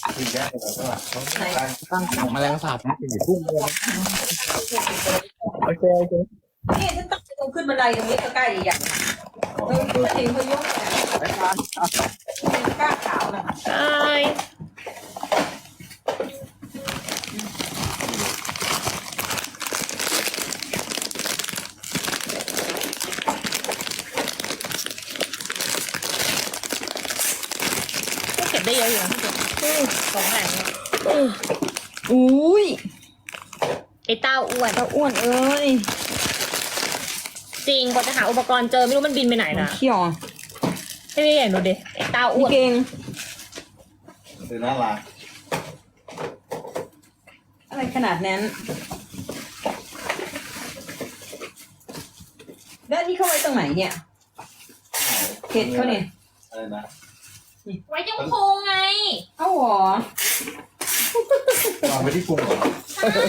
กินแค่ไหนก็ว่าตั้งของแมลงสาบนะอยู่ทุ่งเลยนะโอเคโอเคนี่ฉันต้องลงขึ้นบันไดตรงนี้ก็ใกล้อีกอย่างเราเห็นเขายกเนี่ยไปทานเป็นก้าขาวนะคะใช่ก็เก็บได้เยอะอยู่นะของแหลงเนี่ยอุ้ยไอ้เต้าอ้วนเจ้าอ้วนเอ้ยจริงกว่าจะหาอุปกรณ์เจอไม่รู้มันบินไปไหนนะเขี้ยวอ่ะให้พี่เห็นดูดิไอ้เต้าอ้นี่วนเก่งคือน่ารักอะไรขนาดนั้นแล้วนี่เข้าไว้ตรงไหนเนี่ยเห็ดเขาเนี่ยอะไรนะไว้ตรงโครงไงเอ้าหรอวางไว้ที่พุงเหรอใช่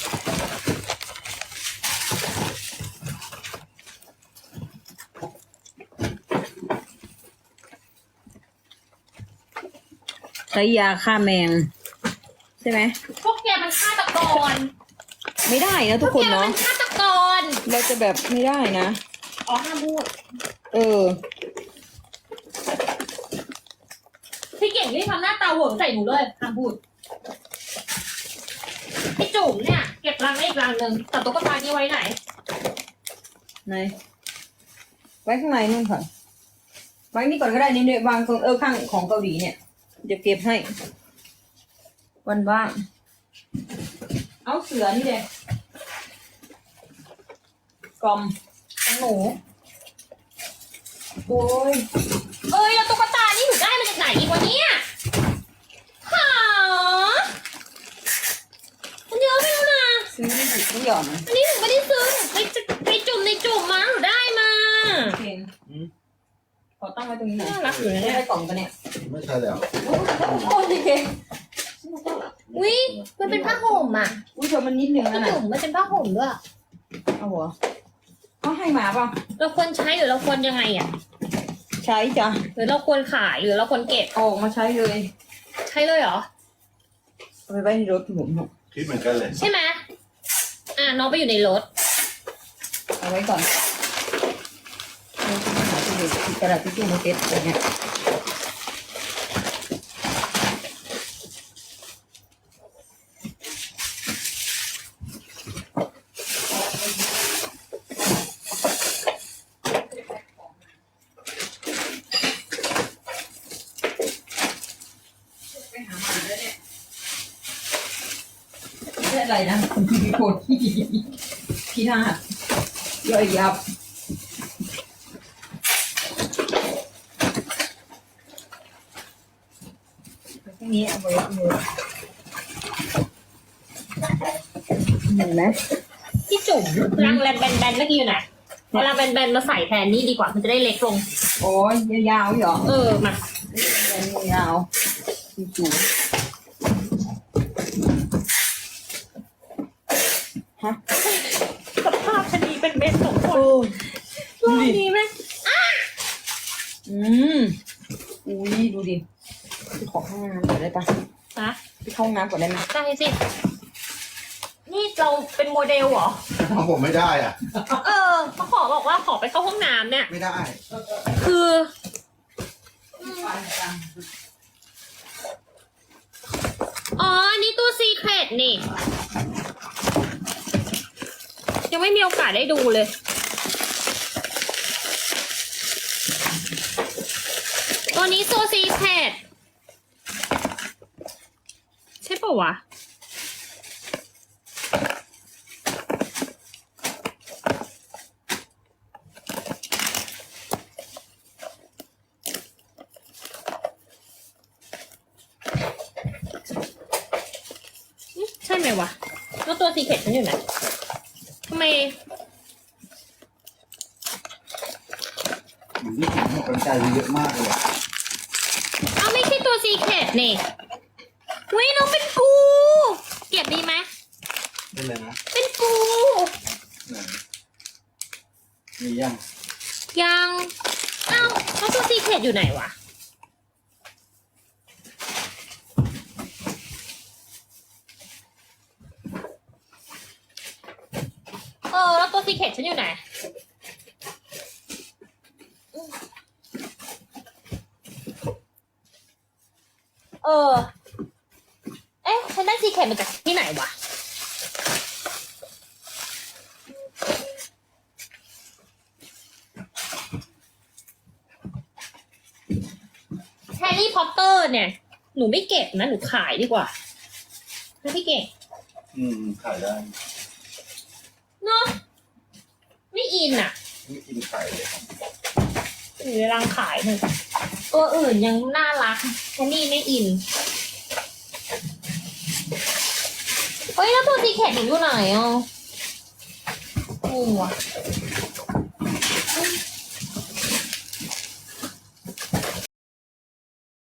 ใช้ยาฆ่าแมงใช่ไหมพวกแกมันฆาตกรไม่ได้นะพทุวกกคนแกมัเนาะนฆาตกรเราจะแบบไม่ได้นะอ๋อห้ามพูดเออพี่เก่งรีบทำหน้าตาเหวงใส่หนูเลยห้ามพูดพี่จุ๋มเนี่ยเก็บรังได้อีกรังหนึ่งแต่ตุ๊กตานี้ไว้ไหนไหนไว้ข้างในนู่นค่ะไว้นี่ก่อนก็ได้นี่เนี่ยวางตรงข้างของเกาหลีเนี่ยเดี๋ยวเก็บให้วันว่างเอาเสือนี่เลยกลอมของหนูโอ้ยเอ้ยแล้วตุ๊กตานี่หนูได้มาจากไหนอีกวะเนี่ยหามันเยอะไปแล้วนะซื้อไม่ถูกไม่หย่อนอันนี้หนูไม่ได้ซื้อหนูไปจุ่มในจุ่มมาหนูได้มาเพลงขอตั้งไว้ตรงนี้หน่อยน่ารักอยู่นะไม่เนี่ยได้กล่องปะเนี่ยไม่ใช่แล้วโอ้ยเพลงอุ้ยมันเป็นผ้าห่มอ่ะอุ้ยเธอมันนิดนึงพี่นะน่ะจุ๋มมันเป็นผ้าห่มด้วยเอาหัวเขาให้มาป่ะเราควรใช้หรือเราควรยังไงอ่ะใช้จ้ะหรือเราควรขายหรือเราควรเก็บเอาออกมาใช้เลยใช้เลยเหรอเอาไปไว้ในรถผมคิดเหมือนกันเลยใช่ไหมน้องไปอยู่ในรถเอาไว้ก่อนเราจะมาหาที่เด็กที่กระดาษทิชชู่มาเก็บอะไรเงี้ยไม่ใช่อะไรนะคนที่มีโคตรที่นาศย่อยยับทีนี้เอาไว้เลยเห็นไหมพี่จุ๋มรังแบนๆเมื่อกี้อยู่ไหนเอารังแบนๆมาใส่แทนนี่ดีกว่ามันจะได้เล็กลงโอ้ยยาวๆเหรอมายาวจู่ฮะสภาพชะนีเป็นเม็ดสองคนโอ้รอบนี้ไหมอืมอุ้ยดูดิไปขอห้องน้ำก่อนได้ปะนะไปเข้าห้องน้ำก่อนได้ไหมได้สิ นี่เราเป็นโมเดลเหรอเอาผมไม่ได้อ่ะเขาบอกว่าขอไปเข้าห้องน้ำเนี่ยไม่ได้คืออ๋ออันนี้ตัวซีเครตนี่ ยังไม่มีโอกาสได้ดูเลย ตัวนี้ตัวซีเครตใช่ปะวะ ใช่ไหมวะ แล้วตัวซีเครตฉันอยู่ไหนทำไมอยู่ที่ผมมันใจเยอะมากเลยอะเอาไม่ใช่ตัวซีเครตนี่วิน้องเป็นปู เก็บดีไหมเป็นเลยนะเป็นปูไหนมียังยังเอ้าแล้วตัวซีเครตอยู่ไหนวะซีเคทฉันอยู่ไหนเอ๊ะฉันได้ซีเคทมาจากที่ไหนวะแฮร์รี่พอตเตอร์เนี่ยหนูไม่เก็บนะหนูขายดีกว่านะพี่เก่งขายได้เนาะไม่อินอ่ะไม่กินขายเลยอยู่ในรังขายหนึ่งตัวอื่นยังน่ารักแค่นี้ไม่อินเฮ้ยแล้วตัวซีเคทหนูอยู่ไหนอ่ะงงว่ะ